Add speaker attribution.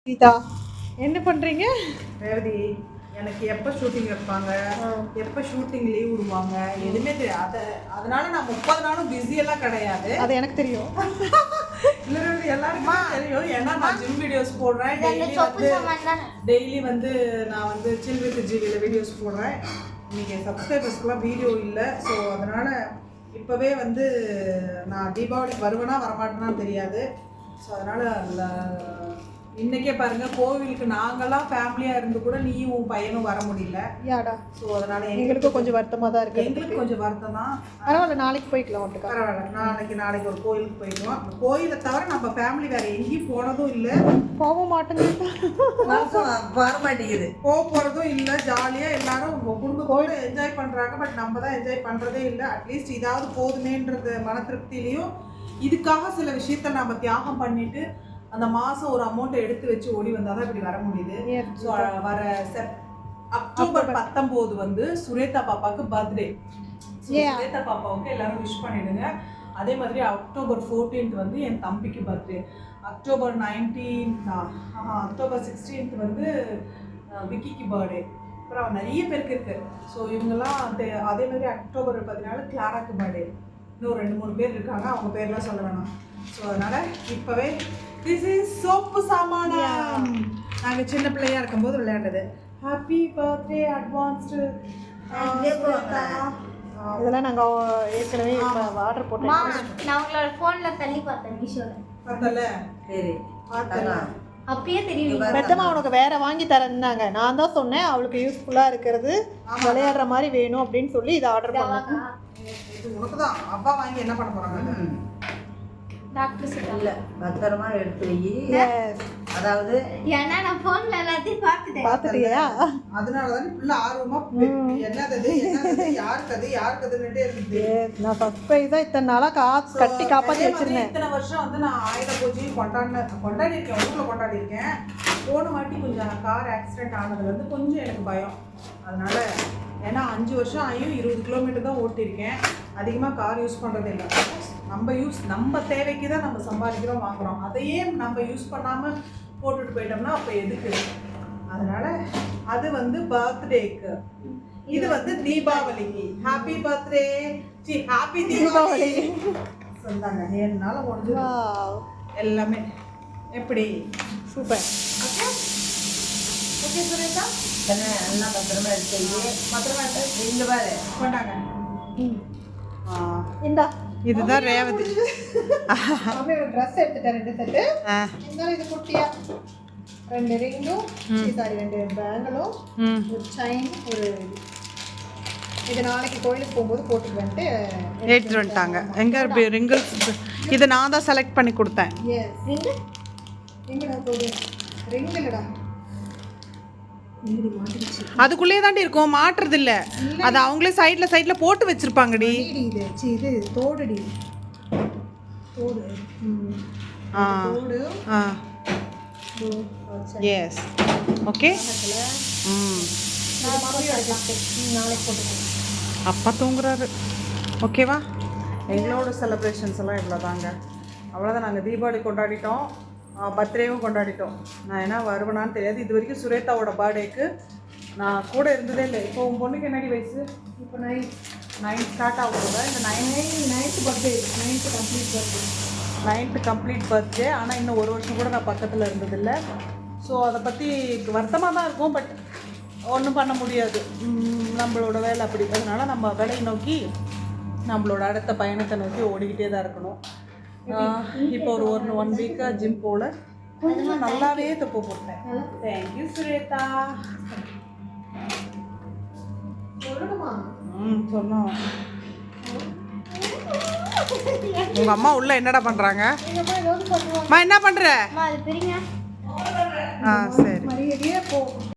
Speaker 1: கீதா என்ன பண்ணுறீங்க?
Speaker 2: ரேவதி, எனக்கு எப்போ ஷூட்டிங் வைப்பாங்க, எப்போ ஷூட்டிங் லீவ் விடுவாங்க எதுவுமே தெரியாது. அதனால நான் 30 நாளும் பிஸியெல்லாம் கிடையாது.
Speaker 1: அது எனக்கு தெரியும்.
Speaker 2: இல்லை எல்லாருக்குமே தெரியும். ஏன்னா நான் ஜிம் வீடியோஸ் போடுறேன். டெய்லி வந்து நான் வந்து சில் வித் ஜிவியில் வீடியோஸ் போடுறேன். இன்னைக்கு சப்ஸ்கிரைபர்ஸ்க்குலாம் வீடியோ இல்லை. ஸோ அதனால் இப்போவே வந்து நான் தீபாவளிக்கு வருவேனா வரமாட்டேனான்னு தெரியாது. ஸோ அதனால் இன்னைக்கே பாருங்க, கோவிலுக்கு நாங்கெல்லாம் ஃபேமிலியா இருந்து கூட நீயும் உன் பையனும் வர முடியல.
Speaker 1: யாடா?
Speaker 2: ஸோ அதனால
Speaker 1: எங்களுக்கும் கொஞ்சம் வருத்தமாக தான் இருக்கு.
Speaker 2: எங்களுக்கு கொஞ்சம் வருத்தம் தான்.
Speaker 1: பரவாயில்ல, நாளைக்கு போய்க்கலாம். ஒட்டுக்கா
Speaker 2: பரவாயில்ல, நாளைக்கு ஒரு கோயிலுக்கு போயிடுவோம். அந்த கோயிலை தவிர நம்ம ஃபேமிலி வேற எங்கேயும் போனதும் இல்லை,
Speaker 1: போக மாட்டேங்குது,
Speaker 2: வர மாட்டேங்குது, போக போகிறதும் இல்லை. ஜாலியாக எல்லாரும் குடும்பத்தோடு என்ஜாய் பண்ணுறாங்க. பட் நம்ம தான் என்ஜாய் பண்ணுறதே இல்லை. அட்லீஸ்ட் இதாவது போதுமேன்றது மன திருப்தியிலையும் இதுக்காக சில விஷயத்த நம்ம தியாகம் பண்ணிட்டு அந்த மாதம் ஒரு அமௌண்ட்டை எடுத்து வச்சு ஓடி வந்தால் தான் இப்படி வர முடியுது. ஸோ வர அக்டோபர் 19 வந்து சுரேதா பாப்பாவுக்கு பர்த்டே. சுரேதா பாப்பாவுக்கு எல்லாரும் விஷ் பண்ணிடுங்க. அதே மாதிரி அக்டோபர் 14 வந்து என் தம்பிக்கு பர்த்டே. அக்டோபர் 16 வந்து விக்கிக்கு பர்த்டே. அப்புறம் நிறைய பேருக்கு இருக்கு. ஸோ இவங்கெல்லாம் அதே மாதிரி அக்டோபர் 14 கிளாராக்கு பர்த்டே. இன்னும் 2-3 பேர் இருக்காங்க, அவங்க பேர்லாம் சொல்ல வேணாம். ஸோ அதனால் இப்போவே திஸ் இஸ் சோப்பு சாமானம். நாங்கள் சின்ன பிள்ளையா இருக்கும்போது விளையாண்டது. Happy birthday advanced.
Speaker 1: இதெல்லாம் நாங்கள் ஏற்கனவே ஆர்டர் போட்டோம்.
Speaker 3: நான் உங்களோட ஃபோனில் தள்ளி பார்த்தேன், மீஷோவில்
Speaker 2: பார்த்தல. சரி
Speaker 3: பார்த்தேன், அப்பயே தெரியும்.
Speaker 1: பெத்தம்மா உனக்கு வேற வாங்கி தரேன்னாங்க. நான் தான் சொன்னேன் அவளுக்கு யூஸ்ஃபுல்லாக இருக்கிறது, விளையாடுற மாதிரி வேணும் அப்படின்னு சொல்லி இதை ஆர்டர் பண்ணேன்.
Speaker 2: இது உனக்கு தான். அப்பா வாங்கி என்ன பண்ண போகிறாங்க?
Speaker 3: டாக்டர்
Speaker 4: இல்ல பத்திரமா எடுத்து வை. அதாவது
Speaker 3: ஏன்னா நான் ஃபோன்ல எல்லாத்தையும்
Speaker 1: பார்த்துட்டியா?
Speaker 2: அதனால தான் ஃபுல்லா ஆர்வமா என்னது யாருக்குதுன்னுட்டே இருந்துச்சு.
Speaker 1: நான் சர்ப்ரைஸா இத்தனை நாளா கட்டி காப்பாற்றி வச்சிருந்தேன்.
Speaker 2: இத்தனை வருஷம் வந்து நான் ஆயுத பூஜையும் கொண்டாடிருக்கேன், ஊரில் கொண்டாடிருக்கேன். போன வாட்டி கொஞ்சம் கார் ஆக்சிடென்ட் ஆனதுல இருந்து கொஞ்சம் எனக்கு பயம். அதனால ஏன்னா 5 வருஷம் ஆகியும் 20 கிலோமீட்டர் தான் ஓட்டியிருக்கேன். அதிகமாக கார் யூஸ் பண்ணுறது இல்லை. நம்ம தேவைக்கு தான் நம்ம சம்பாதிக்கிறோம், வாங்குகிறோம். அதையே நம்ம யூஸ் பண்ணாமல் போட்டுட்டு போயிட்டோம்னா அப்போ எதுக்கு? அதனால் அது வந்து பர்த்டேக்கு. இது வந்து தீபாவளிக்கு. ஹாப்பி பர்த்டே, ஹாப்பி தீபாவளி சொன்னாங்க. 7 நாள் முடிஞ்சு எல்லாமே. எப்படி?
Speaker 1: சூப்பர்.
Speaker 2: ஓகே ஓகே சுரேஷா,
Speaker 4: எல்லாம் பத்திரமா எடுத்து
Speaker 2: பத்திரமா எடுத்து
Speaker 4: இங்க பாரு
Speaker 2: கொண்டாங்க.
Speaker 1: இந்தா
Speaker 2: இதுதான் ரேவதி.
Speaker 1: ஒரு ட்ரெஸ் எடுத்துட்டேன், 2 செட்டு. இருந்தாலும் இது குட்டியா 2 ரிங்கும், சாரி 2 பேங்கிளும், ஒரு செயின், ஒரு இது நாளைக்கு கோயிலுக்கு போகும்போது போட்டுட்டு வந்துட்டு
Speaker 2: எடுத்துட்டு வந்துட்டாங்க. எங்கே ரிங்கிள்ஸ்? இதை நான் தான் செலக்ட் பண்ணி கொடுத்தேன்.
Speaker 1: எங்கடா போகுது? ரிங் இல்லடா,
Speaker 2: அதுக்குள்ளே தாண்டி இருக்கும், மாட்டுறது இல்லை. அது அவங்களே சைடில் போட்டு வச்சிருப்பாங்கடி.
Speaker 1: இது தோடுடி, தோடு. தோடு.
Speaker 2: Yes okay.
Speaker 1: நாளைக்கு போட்டுக்கோங்க.
Speaker 2: அப்பா தூங்குறாரு. ஓகேவா? எங்களோட செலிப்ரேஷன்ஸ் எல்லாம் இவ்வளோ தாங்க. அவ்வளோதான். நாங்கள் தீபாவளி கொண்டாடிட்டோம், பர்த்டேவும் கொண்டாடிட்டோம். நான் என்ன வருவேனான்னு தெரியாது. இது வரைக்கும் சுரேதாவோட பர்த்டேக்கு நான் கூட இருந்ததே இல்லை. இப்போ உன் பொண்ணுக்கு என்னடி வயசு?
Speaker 1: இப்போ 9
Speaker 2: ஸ்டார்ட் ஆகும்போது இந்த 9th birthday, 9th complete birthday. ஆனால் இன்னும் 1 வருஷம் கூட நான் பக்கத்தில் இருந்ததில்லை. ஸோ அதை பற்றி வருத்தமாக தான் இருக்கும். பட் ஒன்றும் பண்ண முடியாது, நம்மளோட வேலை அப்படி. அதனால் நம்ம வேலையை நோக்கி நம்மளோட அடுத்த பயணத்தை நோக்கி ஓடிக்கிட்டே தான் இருக்கணும். இப்போ ஒரு 1 வீக்காக ஜிம் போல் கொஞ்சம் நல்லாவே தப்பு போட்டேன். தேங்க்யூ சுரேதா. சொன்னோம். உங்கள் அம்மா உள்ள என்னடா பண்ணுறாங்க? அம்மா என்ன பண்ணுற?
Speaker 3: அது பிரிங்க.
Speaker 2: சரி.